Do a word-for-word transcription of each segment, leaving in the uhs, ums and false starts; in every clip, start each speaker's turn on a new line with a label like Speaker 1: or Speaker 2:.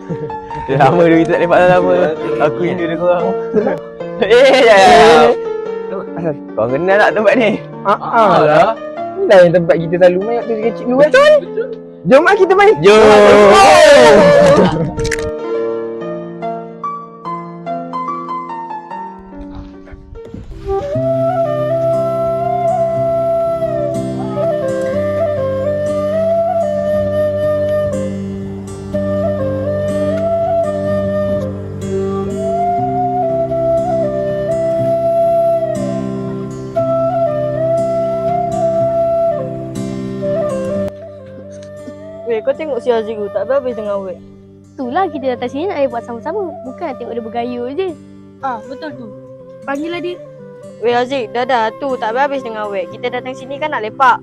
Speaker 1: Dah lama dah kita tak lepak dah lama. Aku rindu dengan korang. Eh, ya ya.
Speaker 2: Asal?
Speaker 1: Kau kenal tak tempat ni?
Speaker 2: Ah, lah. Inilah yang tempat kita selalu main waktu kecil dulu kan? Betul. Jom lah kita main.
Speaker 1: Jom.
Speaker 3: Weh, kau tengok si Azri tu, tak habis dengan awet.
Speaker 4: Itulah kita datang sini nak buat sama-sama. Bukan nak tengok dia bergaya je.
Speaker 3: Ah, betul tu.
Speaker 4: Panggillah dia.
Speaker 3: Weh Aziz, dah dah tu, tak habis dengan awet. Kita datang sini kan nak lepak.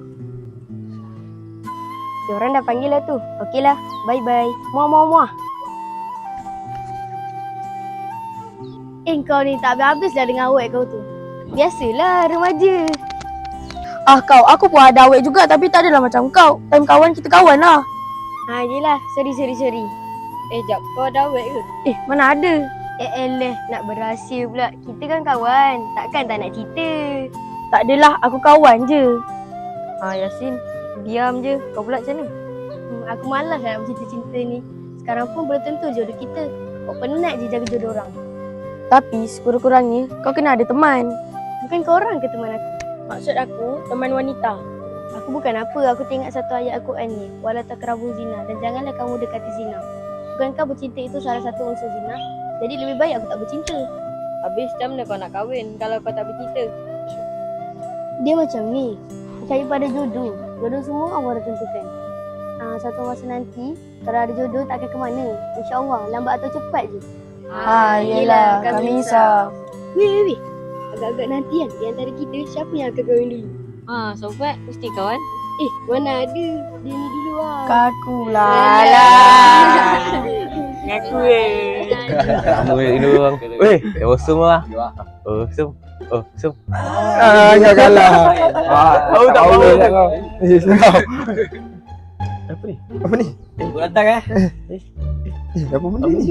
Speaker 4: Diorang dah panggil lah tu. Okeylah. Bye-bye. Muah, muah, muah. Eh, kau ni tak habis-habis dah dengan awet kau tu. Biasalah, remaja.
Speaker 5: Ah kau, aku pun ada awet juga tapi tak adalah macam kau. Time kawan kita kawan lah.
Speaker 4: Ha, yelah. Sorry, sorry, sorry.
Speaker 3: Eh, jap, kau ada awet ke?
Speaker 5: Eh, mana ada?
Speaker 4: Eh, eleh. Nak berahsia pula. Kita kan kawan. Takkan tak nak cerita.
Speaker 5: Tak adalah, aku kawan je.
Speaker 3: Ah, Yasin, diam je. Kau pula macam mana?
Speaker 4: Hmm, aku malas nak bercinta-cinta ni. Sekarang pun belum tentu jodoh kita. Kau penat je jaga jodoh orang.
Speaker 5: Tapi sekurang-kurangnya kau kena ada teman.
Speaker 4: Bukan kau orang ke teman aku?
Speaker 5: Maksud aku, teman wanita.
Speaker 4: Aku bukan apa. Aku teringat satu ayat Al-Quran ni. Wala taqrabu zina. Dan janganlah kamu dekati zina. Bukankah bercinta itu salah satu unsur zina? Jadi lebih baik aku tak bercinta.
Speaker 3: Habis macam mana kau nak kahwin kalau kau tak bercinta?
Speaker 4: Dia macam ni. Percaya pada jodoh. Jodoh semua Allah dah tentukan. Ah, satu masa nanti, kalau ada jodoh tak akan ke mana. InsyaAllah, lambat atau cepat je.
Speaker 5: Ha, yelah, kami risau.
Speaker 4: Weh, weh, weh. Agak-agak nanti kan, di antara kita, siapa yang akan kahwin dulu?
Speaker 3: Ah, sobat, mesti kawan.
Speaker 4: Eh, mana ada. Dia ni dulu lah.
Speaker 5: Kaku lah lah.
Speaker 3: Ngaku eh.
Speaker 1: Lama ini orang. Weh, awesome lah. Awesome. Awesome.
Speaker 2: Ah, kau kalah. Ah,
Speaker 1: Tahu tak
Speaker 2: tahu
Speaker 1: tahu.
Speaker 2: lah kau. Eh, kau.
Speaker 1: Apa ni?
Speaker 2: Apa ni?
Speaker 1: Eh, buat datang eh.
Speaker 2: Eh, apa benda ni?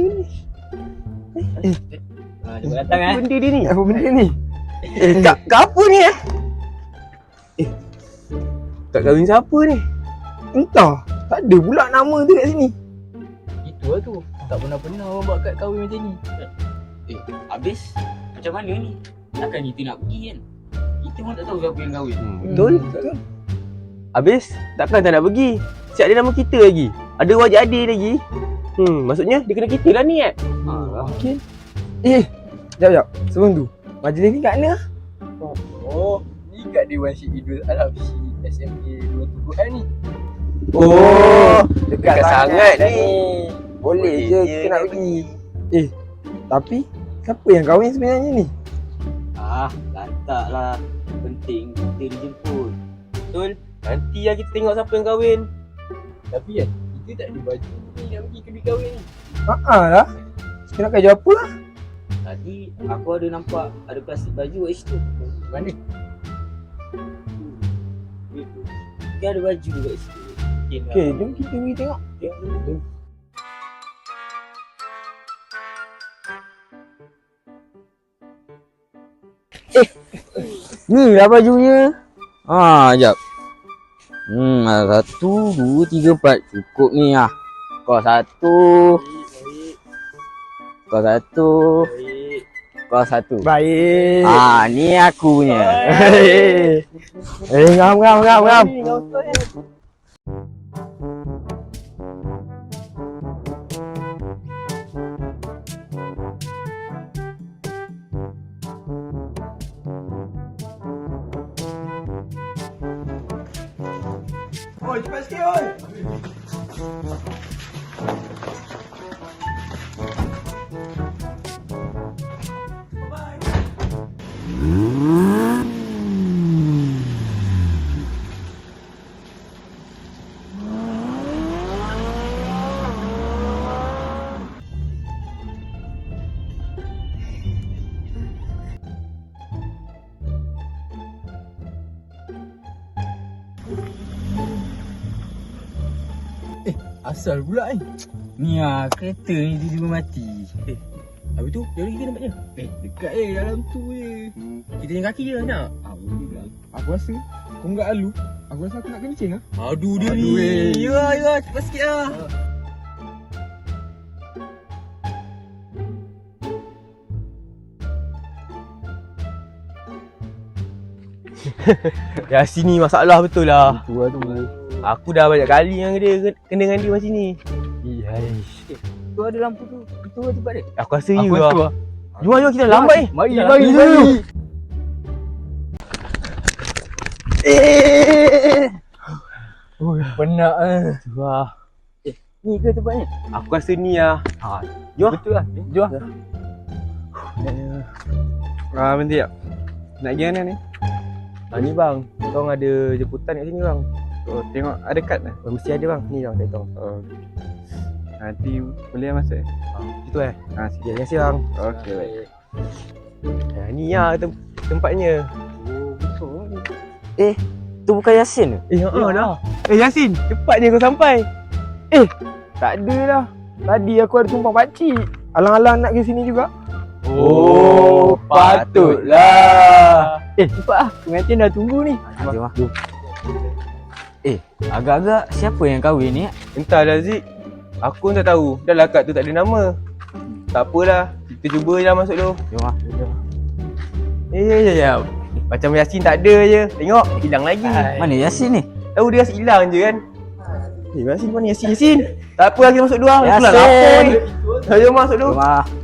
Speaker 1: Ah, dia buat datang eh. Benda dia ni.
Speaker 2: Apa benda ni?
Speaker 1: Eh, kak, kak apa ni eh? Eh, kak kahwin siapa ni?
Speaker 2: Entah. Tak ada pula nama tu kat sini.
Speaker 6: Itu lah tu. Tak pernah-pernah orang buat kad kahwin macam ni. Eh, habis macam mana ni? Takkan kita nak pergi kan? Kita pun tak tahu siapa yang kahwin.
Speaker 1: Hmm, betul. Betul. Habis, takkan tak nak pergi? Siap ada nama kita lagi. Ada wajah adik lagi. Hmm, maksudnya dia kena kita lah ni eh?
Speaker 6: Ha,
Speaker 2: Mungkin. Eh, jap jap. Sebelum tu, majlis ni kat mana?
Speaker 6: oh, ni kat Dewan Syed Idul Al-Habsyi S M A dua Tuguhan ni.
Speaker 1: Oh, dekat sangat ni.
Speaker 2: Boleh je kita nak pergi. Eh, tapi siapa yang kahwin sebenarnya ni?
Speaker 6: Ah, lantak lah. Penting kita dijemput.
Speaker 1: Betul. Nanti lah kita tengok siapa yang kahwin.
Speaker 6: Tapi kan, kita tak ada baju ni nak pergi ke bilik kahwin ni.
Speaker 2: Haa lah. Kita nak kerja apa lah?
Speaker 6: Tadi aku ada nampak ada plastik baju kat situ. Mana? Dia ada baju kat situ.
Speaker 2: Okay, jom kita pergi tengok.
Speaker 6: Jom.
Speaker 2: Ni lah bajunya.
Speaker 6: Ah, jap. Hmm, ada satu, dua, tiga, empat. Cukup ni lah. Kau satu. Kau satu. Kau satu.
Speaker 2: Baik.
Speaker 6: Ah, ni aku punya.
Speaker 2: Eh, eh, ngam, ngam, ngam, ngam. Oi, cepat sikit, oi.
Speaker 6: Asal pula eh. Ni ah, kereta ni tiba-tiba mati.
Speaker 1: Eh, habis tu, jauh lagi ke tempatnya?
Speaker 6: Eh, dekat eh dalam tu je.
Speaker 1: Kita jalan kaki je nak.
Speaker 6: Ah, boleh lah.
Speaker 2: Aku rasa kau enggak alu. Aku rasa aku nak kencing ah.
Speaker 1: Aduh dia
Speaker 2: Aduh,
Speaker 1: ni.
Speaker 2: eh.
Speaker 1: Ya, ya, cepat sikit lah. Yasin ni masalah betul lah.
Speaker 2: Tu lah tu.
Speaker 1: Aku dah banyak kali yang dia kena dengan dia macam ni.
Speaker 2: Ihai.
Speaker 6: Tu ada lampu tu. Itu lah tempat dia.
Speaker 1: Aku rasa
Speaker 2: Aku
Speaker 1: you
Speaker 2: rasa
Speaker 1: lah. Jom jom kita lambat ni.
Speaker 2: Mari
Speaker 6: Dah,
Speaker 2: mari
Speaker 6: dah,
Speaker 2: mari.
Speaker 1: Eh.
Speaker 2: Oh, penat eh.
Speaker 1: Wah,
Speaker 6: Ni ke tempatnya?
Speaker 1: aku rasa ni lah. Ha, jom.
Speaker 6: Betul lah.
Speaker 2: Jom.
Speaker 1: Ah, bentar tak? Nak pergi mana ni? Ah, ni bang, korang ada jemputan kat sini bang.
Speaker 2: Oh, tengok ada kad dah.
Speaker 1: Oh, mesti ada bang. Ni bang, saya tahu.
Speaker 2: Oh. Nanti boleh masuk eh?
Speaker 1: Itu eh.
Speaker 2: Ha,
Speaker 1: Ya, terima kasih bang.
Speaker 2: okey baik.
Speaker 1: Ya, ni lah tem- tempatnya.
Speaker 6: Tu bukan Yasin ke?
Speaker 1: Eh, ha ah, dah. Eh, Yasin, cepatnya kau sampai.
Speaker 2: Tak ada lah. Tadi aku ada tumpang pakcik. Alang-alang nak ke sini juga.
Speaker 1: Oh, patutlah.
Speaker 6: Eh, cepat lah. Pengantin dah tunggu ni.
Speaker 1: Jom,
Speaker 6: Jom lah. Eh, agak-agak siapa yang kahwin ni?
Speaker 1: Entahlah Zik. Aku pun tak tahu. Dah lah kad tu tak ada nama. Tak apalah. Kita cuba je lah masuk tu.
Speaker 6: Jom lah.
Speaker 1: Eh, ya, ya, ya. Macam Yasin tak ada je. Tengok, hilang lagi.
Speaker 6: Mana Yasin ni?
Speaker 1: Tahu dia rasa hilang je kan. Eh, Yasin mana Yasin? Yasin. Tak apa, kita masuk dulu lah.
Speaker 6: Yasin.
Speaker 1: Pulang lapar ni. Jom masuk dulu.
Speaker 6: Jom lah.